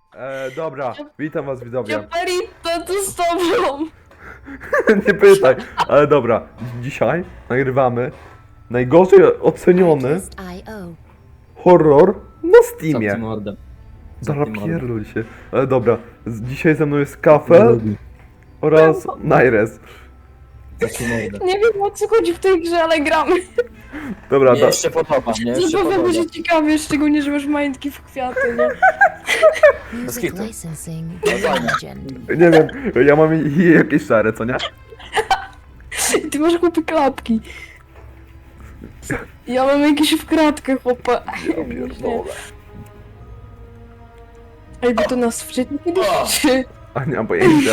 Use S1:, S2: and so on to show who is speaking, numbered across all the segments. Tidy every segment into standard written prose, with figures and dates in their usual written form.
S1: Dobra, witam was widzowie.
S2: Japerita, tu z tobą!
S1: Nie pytaj, ale dobra. Dzisiaj nagrywamy najgorzej oceniony horror na Steamie.
S3: Zamknij mordę.
S1: Dobra,
S3: Zamknij mordę.
S1: pierdol się. Ale dobra, dzisiaj ze mną jest Kafel oraz Naires.
S3: Zamknij mordę.
S2: Nie wiem o co chodzi w tej grze, ale gramy.
S1: Dobra,
S3: Mnie jeszcze podoba, mnie jeszcze
S2: Zabawa
S3: podoba.
S2: będzie ciekawie, szczególnie, że masz majątki w kwiaty, nie?
S3: Bez kitu.
S1: nie wiem, ja mam jakieś szare, co nie?
S2: I ty masz chłopy klapki. Ja mam jakieś w kratkę, chłopa.
S1: Ja pierdolę.
S2: Ej, bo to nas wczytnie kiedyś, czy...
S1: A nie mam pojęcia.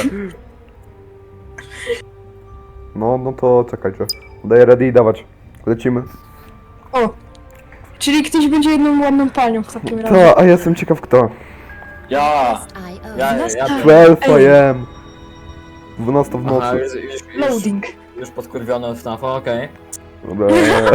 S1: No to czekajcie. Daję ready i dawać. Lecimy.
S2: O! Czyli ktoś będzie jedną ładną panią w takim razie.
S1: To, a ja jestem ciekaw kto.
S3: Ja! Ja
S1: 12 am. 12 w
S3: Aha,
S1: nocy.
S2: Loading.
S3: już podkurwiony od FNAF-a, okej.
S1: Dobra.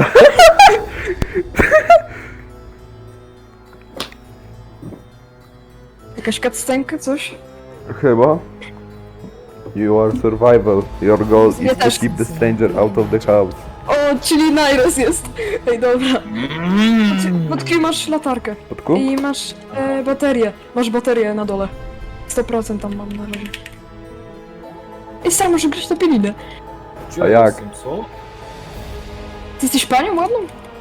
S2: Jakaś cutscenka, coś?
S1: Chyba. You are survival. Your goal is
S2: Ja
S1: to
S2: też.
S1: keep the stranger out of the house.
S2: O, czyli Nairos jest. Ej, dobra. Pod kim masz latarkę?
S1: Podku?
S2: I masz baterię. Masz baterię na dole. 100% tam mam na razie. Ej, sam może grać na pielinę.
S3: Gdzie
S1: A
S3: ja
S1: jak?
S3: jestem, co?
S2: Ty jesteś panią ładną?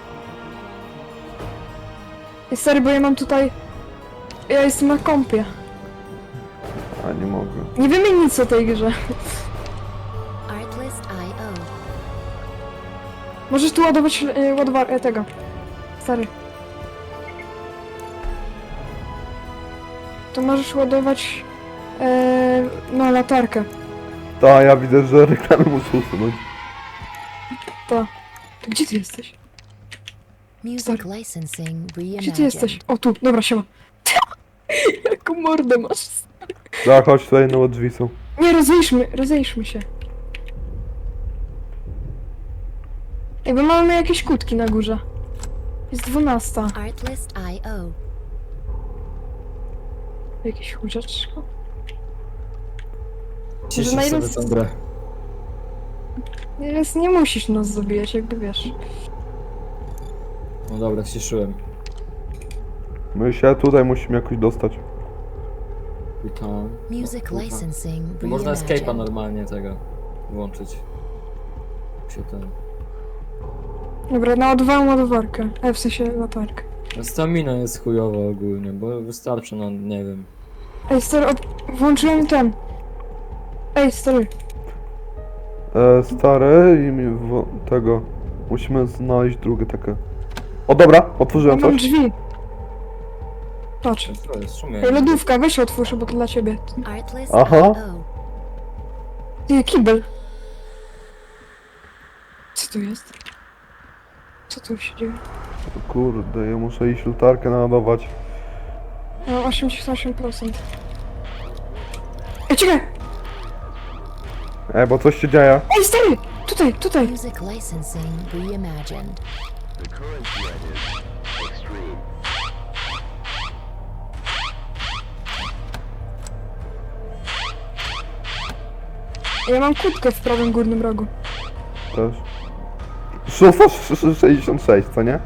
S2: Ej, stary, bo ja mam tutaj... Ja jestem na kompie.
S1: A nie mogę.
S2: Nie wiemy nic o tej grze. Możesz tu ładować tego. Stary. To możesz ładować... no, latarkę.
S1: Ta, ja widzę, że reklamy muszę usunąć.
S2: To gdzie ty jesteś?
S4: Music licensing
S2: Gdzie ty jesteś? O, tu, dobra, siema. Jaką mordę masz?
S1: Da, chodź tutaj, no drzwi są.
S2: Nie, rozejrzmy się. Ej, bo mamy jakieś kutki na górze. Jest 12.
S4: Artlist.io.
S2: Jakieś chórzaczko.
S3: Ciszę
S2: na
S3: sobie
S2: ile-
S3: tę grę.
S2: Jest, nie musisz nas zabijać, jakby wiesz.
S3: No dobra, ściszyłem.
S1: My się tutaj musimy jakoś dostać.
S3: Witam.
S4: Music
S3: Kurwa.
S4: licensing
S3: Można escape'a
S4: reimagined.
S3: normalnie tego włączyć. Się ten...
S2: Dobra, naładowałem ładowarkę. W sensie latarkę.
S3: Stamina jest chujowa ogólnie, bo wystarczy, no nie wiem.
S2: Ej, stary, włączyłem ten. Ej, stary.
S1: Stary i tego. Musimy znaleźć drugie takie. O dobra,
S2: Ja
S1: otworzyłem
S2: mam
S1: coś.
S2: drzwi. Patrz.
S3: To jest szumie.
S2: Ej, lodówka, weź otwórz, bo to dla ciebie.
S1: Aha.
S4: Artlist.io.
S2: Ty, kibel. Co tu jest? Co tu się dzieje?
S1: Kurde, ja muszę iść latarkę naładować.
S2: Ja mam 88%. Ej, czekaj!
S1: Bo coś się dzieje.
S2: Ej, stary! Tutaj!
S4: Music licensing reimagined.
S2: Ja mam kutkę w prawym górnym rogu.
S1: Też. 666, co nie?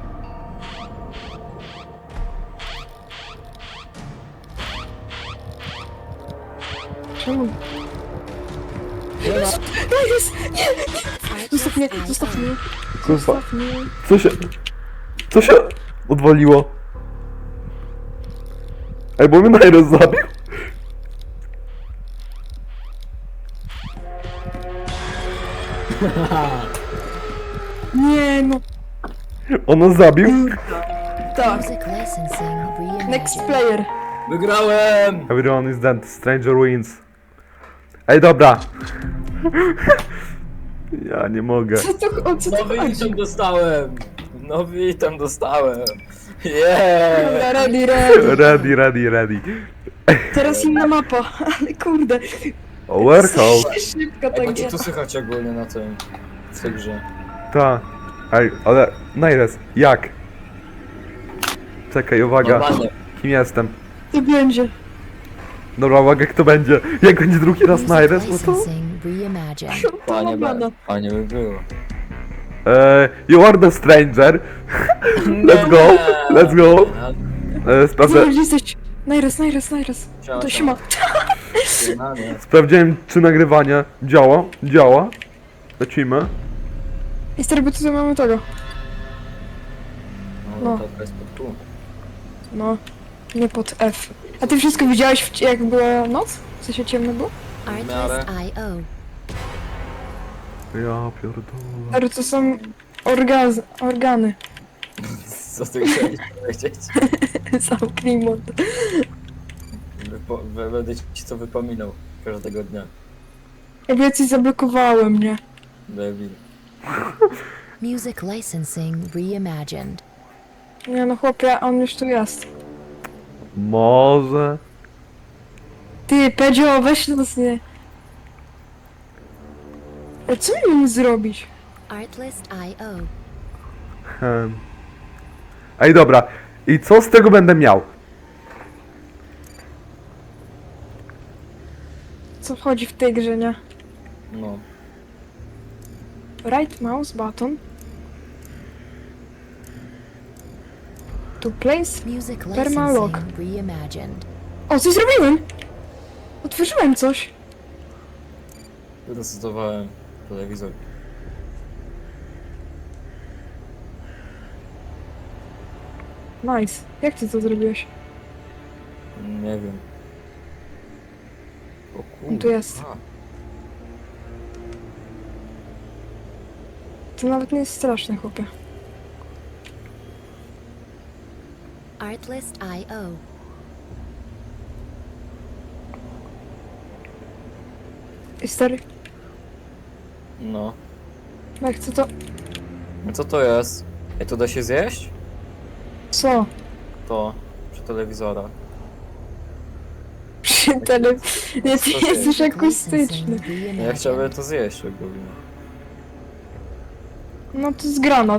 S2: Czemu? Jest! Nie! Zostaw mnie!
S1: Kurwa,
S2: Zostaw mnie!
S1: co się odwaliło? Bo mnie Nairo zabił.
S2: Nie no!
S1: Ono zabił?
S2: Tak!
S4: Music licensing
S2: Next
S4: reimagined.
S2: player!
S3: Wygrałem!
S1: Everyone is dead, stranger wins. Dobra. Ja nie mogę.
S2: Co to
S3: Nowy
S2: chodzi?
S3: item dostałem! Nowy item dostałem! Yeah!
S2: Dobra, ready!
S1: Ready.
S2: Teraz inna mapa, ale kurde!
S1: Warehouse.
S2: Szybko
S3: Ej,
S2: tak
S3: bo ci
S2: jest.
S3: tu słychać ogólnie na tym... w tej grze.
S1: Ta. Ale Naires, jak? Czekaj, uwaga.
S3: Normalnie.
S1: Kim jestem?
S2: To będzie.
S1: Dobra, uwaga, kto będzie. Jak będzie drugi raz
S4: Music
S1: Naires, no to...
S4: licensing reimagined.
S3: Fajnie,
S2: Dobra.
S3: fajnie by było.
S1: You are the stranger. Let's go, let's go. Sprawdzę,
S2: Zobacz, gdzie jesteś. Najres.
S3: Siema,
S2: To
S3: siema.
S2: siema.
S1: sprawdziłem, czy nagrywanie działa. Działa. Lecimy.
S2: I stary, bo tutaj mamy tego.
S3: No, to jest pod tu.
S2: No, nie pod F. A ty wszystko widziałeś, jak była noc? W sensie ciemno było?
S4: Artlist.io.
S1: Ja pierdolę.
S2: Ale to są organy.
S3: Co ty chciałeś powiedzieć?
S2: Zamknij mord.
S3: Będę ci to wypominał każdego dnia.
S2: Jakby ja coś zablokowałem, nie?
S3: Debil.
S4: Music licensing reimagined.
S2: Nie no chłopie, on już tu jest.
S1: Może...
S2: Ty, Pedzio, weź nas nie. Ale co my mamy zrobić?
S4: Artlist.io.
S1: Ej, dobra. I co z tego będę miał?
S2: Co wchodzi w tej grze, nie?
S3: No.
S2: Right mouse button. To place.
S4: Music
S2: Permalog.
S4: licensing reimagined.
S2: O, coś zrobiłem! Otworzyłem coś.
S3: Wyresetowałem telewizor.
S2: Nice. Jak ty to zrobiłeś?
S3: Nie wiem. O kurde.
S2: On tu jest.
S3: A,
S2: To nawet nie jest straszne, chłopie.
S4: Artlist.io.
S2: I stary,
S3: no.
S2: jak chcę to...
S3: No co to jest? Ej, to da się zjeść?
S2: Co?
S3: To. Przy telewizora.
S2: Przy tele... Nie, ty
S3: Co
S2: jesteś
S4: Music
S2: akustyczny.
S4: licensing
S3: Ja
S4: reimagined.
S3: chciałbym to zjeść ogólnie.
S2: No to jest granat.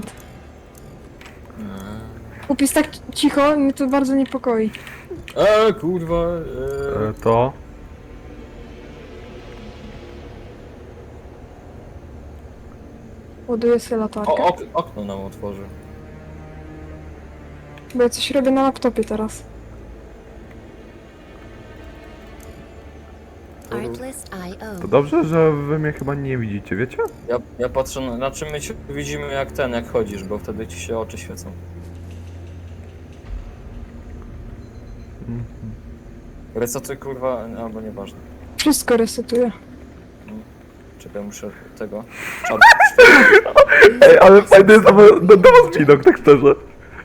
S2: Chłop jest tak cicho, mnie to bardzo niepokoi.
S3: Kurwa.
S1: To...
S2: Ładuję sobie latarkę,
S3: Okno nam otworzy.
S2: bo ja coś robię na laptopie teraz.
S4: Artlist.io.
S1: To dobrze, że wy mnie chyba nie widzicie, wiecie?
S3: Ja patrzę na czym my się widzimy jak chodzisz, bo wtedy ci się oczy świecą. Resetuj kurwa, albo nieważne.
S2: Wszystko resetuję.
S3: Czekaj, muszę tego. Czad.
S1: Ej, ale fajny jest do was widok, tak szczerze.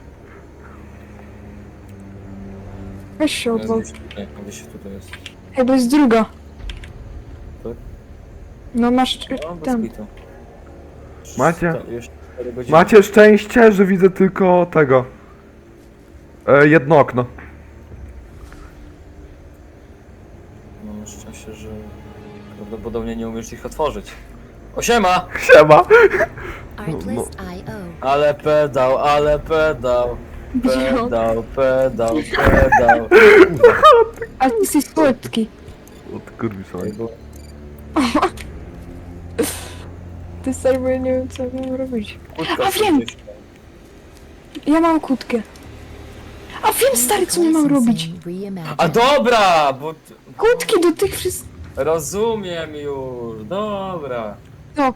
S2: Weź się odwal.
S3: Gdzieś tutaj jest.
S2: Ej, bo jest druga.
S3: Tak?
S2: No masz
S3: No, bez
S2: ten.
S3: bitu.
S1: Macie?
S3: Jeszcze 4 godziny.
S1: Macie szczęście, że widzę tylko tego. Jedno okno.
S3: Mam szczęście, że prawdopodobnie nie umiesz ich otworzyć. O siema!
S1: Siema!
S4: Artlist.io.
S3: Ale pedał, ale pedał. Pedał, pedał, pedał.
S2: A ty jesteś słodki.
S1: Od kurwi sobie.
S2: Ty stary, bo ja nie wiem co mam robić.
S3: Kłódka
S2: A wiem!
S3: gdzieś.
S2: Ja mam kłódkę. A wiem stary, co nie mam robić.
S4: Reimagined.
S3: A dobra, bo
S2: Kłódki do tych wszystkich.
S3: rozumiem już, dobra.
S2: No,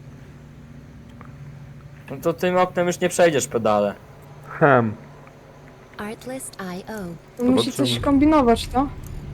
S3: No to tym oknem już nie przejdziesz pedale.
S4: Artlist.io.
S2: musi coś kombinować, to?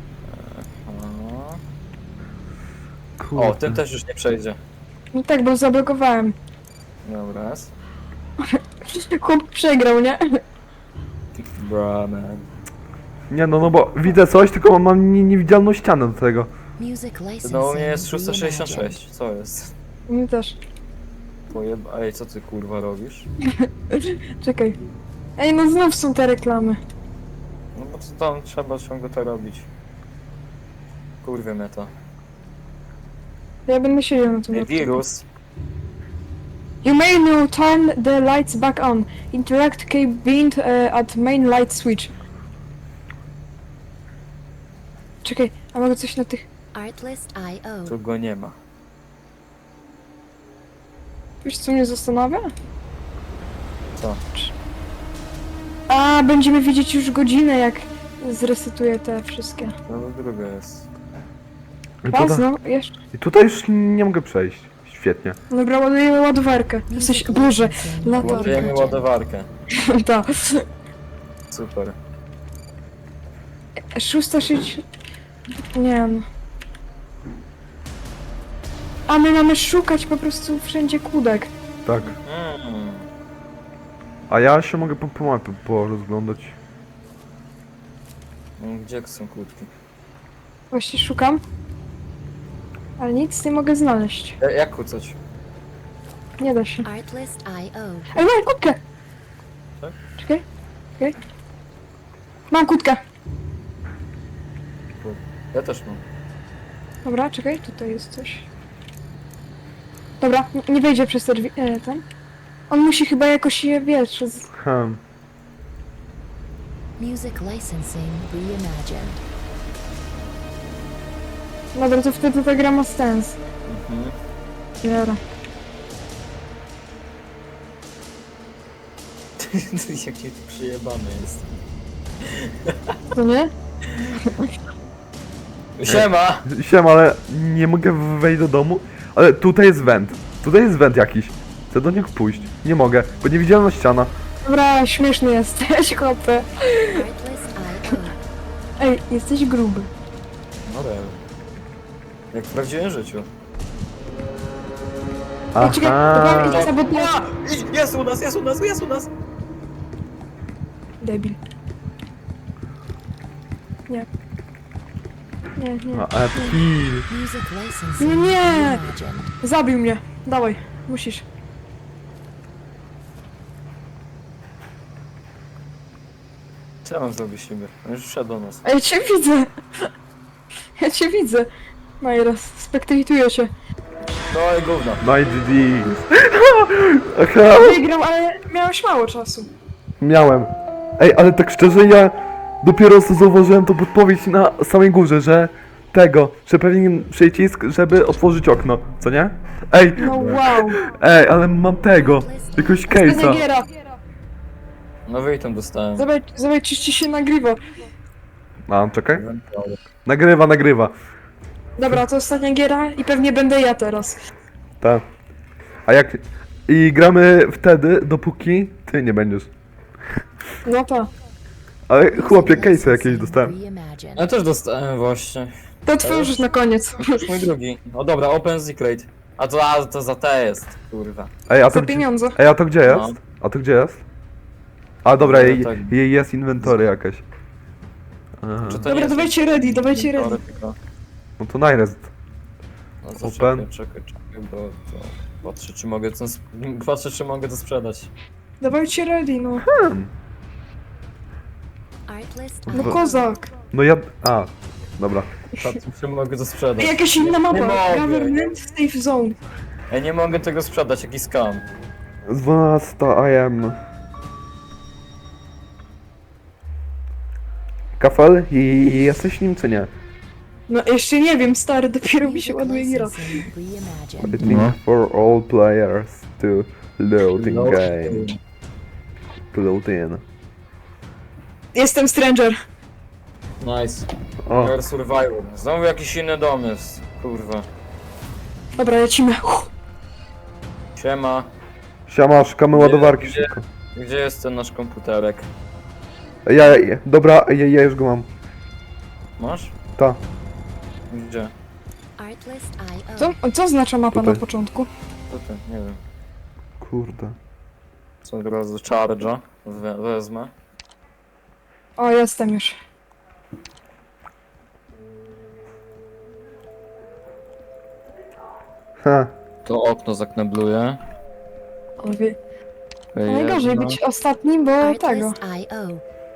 S3: O, tym też już nie przejdzie.
S2: No tak, bo zablokowałem.
S3: Dobra, jest.
S2: Chłop przegrał, nie?
S3: Bra, man.
S1: Nie no, no bo widzę coś, tylko mam niewidzialną ścianę do tego.
S4: Music licensing
S3: No u mnie jest
S4: reimagined.
S3: 666, co jest?
S2: Mnie też.
S3: Ej, co ty kurwa robisz?
S2: Czekaj. Ej, no znów są te reklamy.
S3: No bo co tam trzeba ciągle to robić? Kurwie mnie to.
S2: Ja będę siedział na tym.
S3: Ej, wirus.
S2: You may now turn the lights back on. Interact key bind at main light switch. Czekaj, a mogę coś na tych...
S4: Artlist.io.
S3: Tu go nie ma.
S2: Wiesz co mnie zastanawia?
S3: Co?
S2: A, będziemy widzieć już godzinę, jak zresetuję te wszystkie.
S3: No druga jest.
S2: Raz, no, jeszcze.
S1: I tutaj już nie mogę przejść. Świetnie.
S2: Dobra, ładujemy ładowarkę. Jesteś... Boże, latarka.
S3: Ładujemy ładowarkę.
S2: Tak.
S3: Super.
S2: 660... Nie wiem. A my mamy szukać po prostu wszędzie kłódek.
S1: Tak. A ja się mogę po mapie porozglądać.
S3: No, gdzie są kłódki?
S2: Właśnie szukam. Ale nic nie mogę znaleźć.
S3: Jak kłócać?
S2: Nie da się.
S4: Artlist.io.
S2: Ej, mam kłódkę!
S3: Tak?
S2: Czekaj. Czekaj. Mam kłódkę.
S3: Ja też mam.
S2: Dobra, czekaj, tutaj jest coś. Dobra, nie wejdzie przez te drzwi, ten. On musi chyba jakoś je, wiesz,
S4: Music licensing reimagined.
S2: Dobra, to wtedy ta gra ma sens.
S3: Mhm.
S2: Dobra.
S3: Jakie tu przyjebane jest.
S2: To nie?
S3: Siema!
S1: Siema, ale nie mogę wejść do domu. Ale tutaj jest węd. Tutaj jest węd jakiś. Chcę do niego pójść. Nie mogę, bo niewidzialna ściana.
S2: Dobra, śmieszny jesteś, chłopie.
S4: Artlist.io.
S2: Ej, jesteś gruby.
S3: No real. Jak w prawdziwym życiu.
S2: Ej, czekaj, dobra, idź sabotuję.
S3: Jest u nas, jest u nas, jest u nas!
S2: Debil. Nie. Nie, nie.
S1: A kill.
S4: Music licensing
S2: Nie.
S4: reimagined.
S2: Zabił mnie. Dawaj, musisz.
S3: Co ja mam zrobić siebie? On już wszedł do nas.
S2: A ja cię widzę. Ja cię widzę. Majra, spektaktuję się.
S3: No i gówno.
S1: My GG. Aha,
S2: Wygram, ale miałeś mało czasu.
S1: miałem. Ej, ale tak szczerze, ja dopiero co zauważyłem tą podpowiedź na samej górze, że że pewien przycisk, żeby otworzyć okno, co nie? Ej,
S2: No wow.
S1: ale mam jakiegoś case'a.
S2: Benegiera.
S3: No wyjtem dostałem.
S2: Zobacz, czy ci się nagrywa.
S1: A, czekaj. Nagrywa.
S2: Dobra, to ostatnia giera i pewnie będę ja teraz.
S1: Tak. A jak... I gramy wtedy, dopóki ty nie będziesz.
S2: No to.
S1: Ale chłopie, case'a jakieś dostałem.
S4: Reimagined.
S3: Ja też dostałem właśnie.
S2: To otworzysz na koniec.
S3: Już mój drugi. O dobra, Open Secret. To za te jest, kurwa.
S1: Ej, a to
S2: Za
S1: gdzie...
S2: pieniądze.
S1: Ej, a to gdzie jest?
S3: No.
S1: A to gdzie jest? A dobra,
S3: Dobra,
S1: jej,
S3: tak.
S1: jej jest inwentory jakaś. Aha.
S3: Czy to
S2: Dobra,
S3: nie jest
S2: dawajcie ready, dawajcie ready.
S3: teoretyka?
S1: No to najrest.
S3: No to
S1: Open.
S3: czekaj, bo to... Patrzę czy mogę to sprzedać.
S2: Dawajcie ready, no.
S4: Artlist.io.
S2: No kozak.
S1: No ja... A, dobra.
S3: Patrzę czy mogę to sprzedać.
S2: Jakaś inna
S3: Nie
S2: mapa.
S3: mogę.
S2: Government Safe Zone.
S3: Ja nie mogę tego sprzedać, jaki scam.
S1: 12 AM. Kafel? I jesteś nim czy nie?
S2: No jeszcze nie wiem, stary, dopiero mi się
S4: Music
S2: ładuje gira.
S4: licensing reimagined.
S1: I think for all players to loading
S3: No.
S1: game. Load in.
S2: Jestem stranger.
S3: Nice.
S1: O,
S3: Your survival. Znowu jakiś inny dom jest, kurwa.
S2: Dobra, lecimy.
S3: Siema.
S1: siema, szukamy ładowarki
S3: Gdzie?
S1: szybko.
S3: Gdzie jest ten nasz komputerek?
S1: Dobra, ja już go mam.
S3: Masz?
S1: Ta.
S3: Gdzie?
S4: Artlist.io.
S2: Co oznacza mapa
S1: Tutaj.
S2: na początku?
S3: Tutaj, nie wiem.
S1: Kurde.
S3: Co od razu charge'a wezmę.
S2: O, jestem już.
S1: Ha.
S3: To okno zaknebluję.
S2: O, najgorzej być ostatnim, bo tego.
S4: Artlist.io.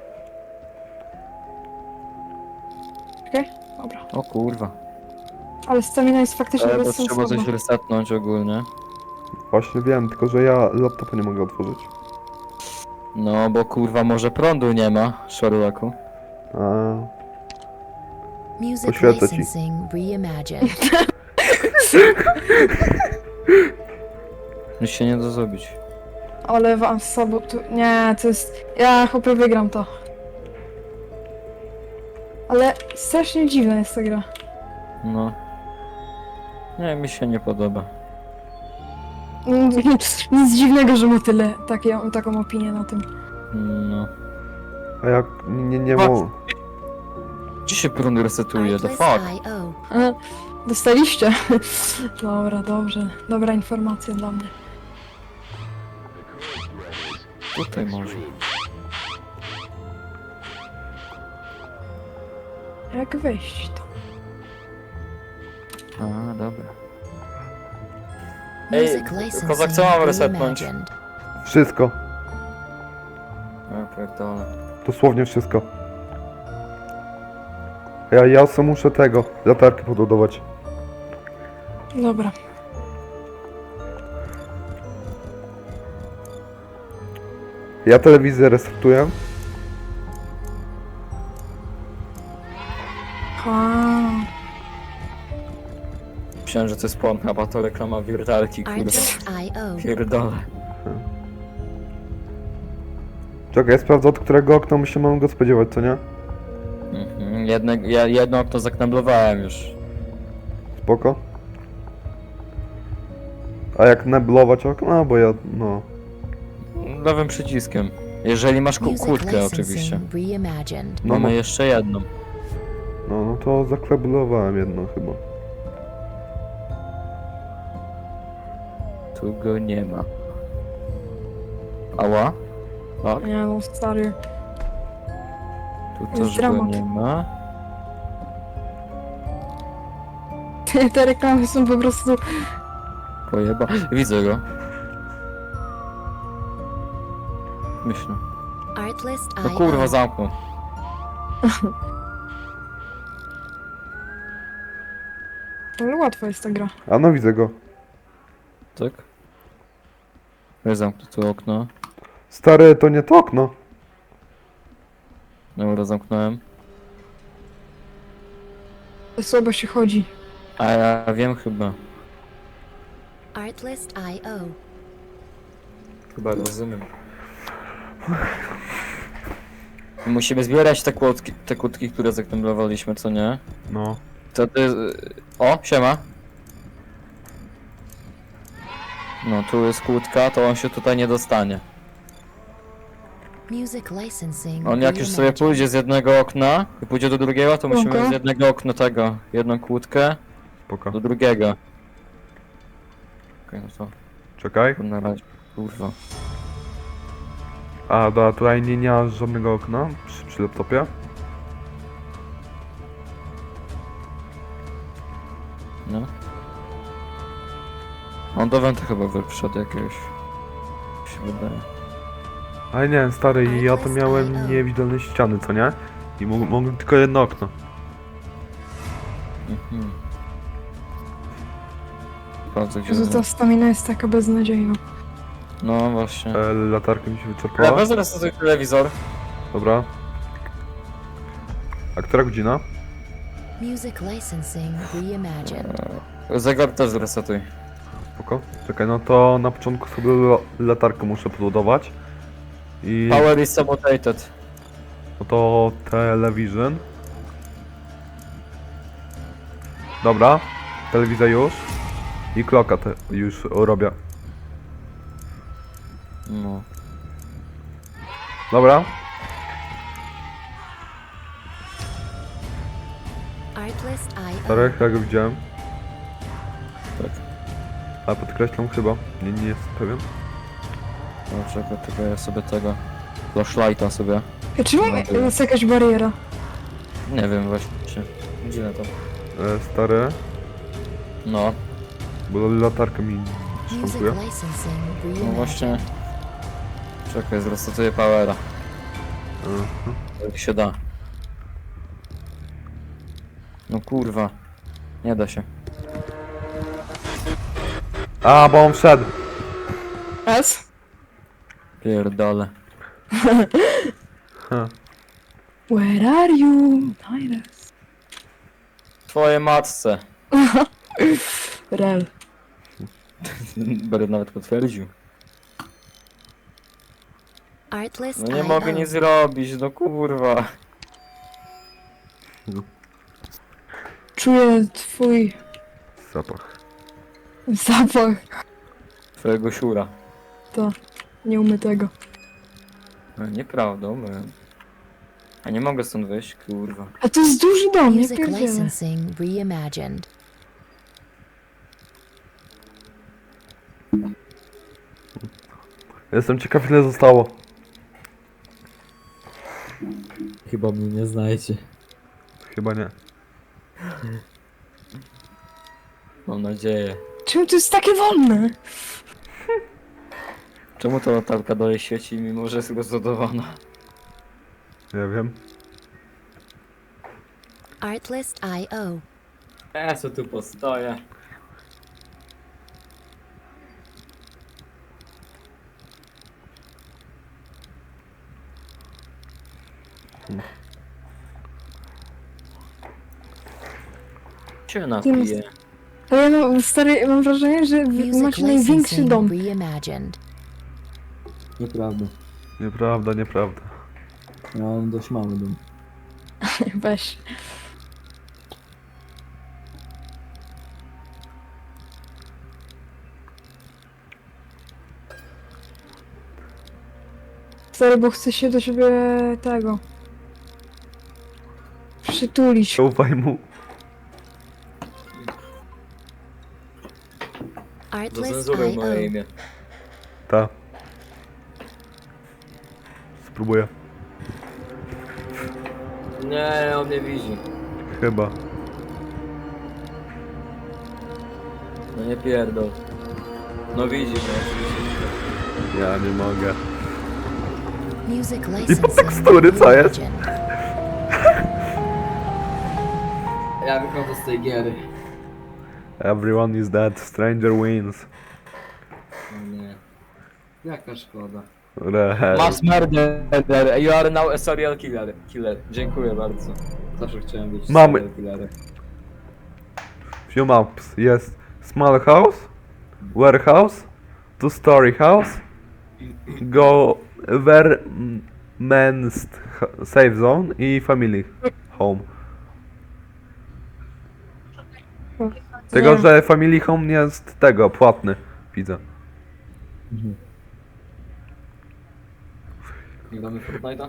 S2: Okej? Dobra.
S3: O kurwa.
S2: Ale stamina jest faktycznie
S3: To trzeba
S2: bezsensowna.
S3: coś resetnąć ogólnie.
S1: Właśnie wiem, tylko że ja laptopa nie mogę otworzyć.
S3: No bo kurwa może prądu nie ma, Sherlocku.
S1: A.
S4: Music
S1: Poświęcę ci.
S4: licensing reimagined.
S3: Nic się nie da zrobić.
S2: Ale wam z sobą tu... Nie, to jest... Ja chłopie wygram to. Ale strasznie dziwna jest ta gra.
S3: No. Nie, mi się nie podoba.
S2: Nic dziwnego, że ma tyle, taką opinię na tym.
S3: No.
S1: A jak nie
S3: Patrz.
S1: mu...
S3: Gdzie się prąd resetuje? The fuck?
S4: Artlist.io.
S2: Dostaliście? Dobra, dobrze. Dobra informacja dla mnie.
S3: Tutaj może.
S2: Jak wejść to?
S3: A, dobra. Ej,
S4: Music licensing
S3: Kozak, co mam resetnąć?
S4: reimagined.
S1: Wszystko.
S3: A, pierdolę.
S1: Dosłownie wszystko. Ja sobie muszę tego, latarkę podładować.
S2: Dobra.
S1: Ja telewizję restartuję.
S2: Ha.
S3: Myślałem, że to jest Pornhub, a to reklama wiertarki, kurwa.
S4: Artlist.io.
S3: Pierdolę.
S1: Czekaj, ja sprawdzę, od którego okna my się mamy go spodziewać, co nie?
S3: Mhm. Jedno okno zakneblowałem już.
S1: Spoko. A jak neblować okna? Bo ja, no...
S3: Lewym przyciskiem. Jeżeli masz
S4: Music
S3: kłódkę oczywiście.
S4: licensing reimagined.
S1: No,
S3: Mamy
S1: no,
S3: jeszcze jedną.
S1: no to zakleblowałem jedno chyba.
S3: Tu go nie ma. Ała? Tak?
S2: Nie no, stary.
S3: Tu
S2: Jest
S3: też go
S2: dramat.
S3: nie ma.
S2: Te reklamy są po prostu...
S3: Pojeba. Widzę go. Myślę.
S4: Artlist.io.
S3: No kurwa, zamknął.
S2: Ale łatwa jest ta gra.
S1: A no widzę go.
S3: Tak? Ja zamknę tu okno.
S1: Stary, to nie to okno.
S3: Dobra, zamknąłem.
S2: Słabo się chodzi.
S3: A ja wiem chyba.
S4: Artlist.io.
S3: Chyba rozumiem. Musimy zbierać te kłódki, które zakneblowaliśmy, co nie?
S1: No.
S3: Wtedy... O, siema. No, tu jest kłódka, to on się tutaj nie dostanie.
S4: Music licensing
S3: On jak już sobie
S4: reimagined.
S3: pójdzie z jednego okna i pójdzie do drugiego, to musimy
S2: Spoko.
S3: z jednego okna tego, jedną kłódkę
S1: Spoko.
S3: do drugiego. Okej, no to
S1: Czekaj.
S3: na razie, kurwa.
S1: A, dobra, tutaj nie ma żadnego okna przy laptopie.
S3: No. On do Wenta chyba wszedł jakiegoś. Się wydaje.
S1: Ale nie, stary, ja to miałem niewidolne ściany, co nie? I mogłem tylko jedno okno.
S3: Mhm. Sprawdzę gdzie...
S2: Jezu, ta stamina jest taka beznadziejna.
S3: No właśnie.
S1: Latarka mi się
S3: Ja
S1: wyczerpała.
S3: wezmę sobie telewizor.
S1: Dobra. A która godzina?
S4: Music licensing reimagined.
S3: Zegar też zresetuj.
S1: Spoko. Czekaj, no to na początku sobie latarkę muszę podładować. I
S3: Power is sabotated.
S1: no to television. Dobra. Telewizja już. I kloka już robię.
S3: No.
S1: Dobra.
S4: Artlist.io.
S1: Stary, jak go widziałem.
S3: Tak.
S1: Ale podkreślam chyba. Nie jestem pewien.
S3: No czekaj, tylko ja sobie tego... Flashlighta sobie.
S2: Czemu
S3: No,
S2: jest jakaś bariera?
S3: Nie wiem właśnie. Dziwne to.
S1: Stary.
S3: No.
S1: Bo latarka mi
S4: Music
S1: szwankuje.
S4: licensing
S3: No
S4: reimagined.
S3: właśnie. Czekaj, zresetuję powera. Jak się da. No kurwa. Nie da się.
S1: A, bo on wszedł.
S2: S?
S3: Pierdolę.
S1: Ha.
S2: Where are you? Nines.
S3: twojej matce.
S2: Rel.
S3: Będę nawet potwierdził.
S4: Artlist
S3: No nie mogę
S4: IO.
S3: nic zrobić, no kurwa.
S2: Czuję twój
S1: Zapach.
S2: zapach.
S3: Twojego siura.
S2: To nieumytego.
S3: No, nieprawda, umyłem. A nie mogę stąd wyjść, kurwa.
S2: A to jest duży dom, nie
S4: Music
S2: pierdzielę.
S4: licensing reimagined.
S1: Jestem ciekaw, ile zostało.
S5: Chyba mnie nie znajdzie.
S1: Chyba nie.
S3: Mam nadzieję.
S2: Czemu to jest takie wolne?
S3: Czemu ta latarka dalej świeci, mimo że jest rozładowana?
S1: Nie wiem.
S4: Artlist IO.
S3: Ja co tu postoję. Cię napiję.
S2: Ale ja mam, stary, mam wrażenie, że wy
S4: Music
S2: macie największy
S4: licensing
S2: dom.
S4: reimagined.
S5: Nieprawda.
S1: Nieprawda, nieprawda.
S5: Ja mam dość mały dom.
S2: Weź. Stary, bo chcę się do ciebie tego przytulić.
S1: Zaufaj mu.
S3: Do
S4: Artlist
S3: cenzury moje
S4: IO.
S3: imię.
S1: Ta. Spróbuję.
S3: Nie, on mnie widzi.
S1: Chyba.
S3: No nie pierdol. No widzi mnie oczywiście.
S1: Ja nie mogę.
S4: Music
S1: I po
S4: licensing
S1: tekstury, co jest?
S4: reimagined.
S5: Ja wychodzę z tej giery.
S1: Everyone is dead, stranger wins.
S5: O nie. Jaka szkoda.
S1: Rehel.
S3: Mass murderer, you are now a serial killer. Dziękuję bardzo.
S5: Zawsze chciałem być
S1: Mamy.
S5: serial killerem.
S1: Few maps. Jest small house, warehouse, two-story house, government safe zone i family home. Tego,
S2: Nie.
S1: że family home jest tego, płatny. Widzę.
S5: Nie gramy w Fortnite'a?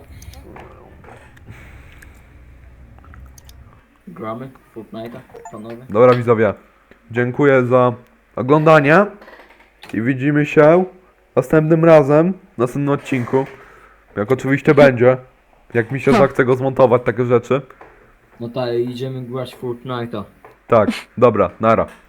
S5: Gramy w Fortnite'a, panowie?
S1: Dobra widzowie, dziękuję za oglądanie i widzimy się następnym razem, w następnym odcinku. Jak oczywiście będzie, jak mi się zachce go zmontować, takie rzeczy.
S5: No tak, idziemy grać w Fortnite'a.
S1: Tak, dobra, nara.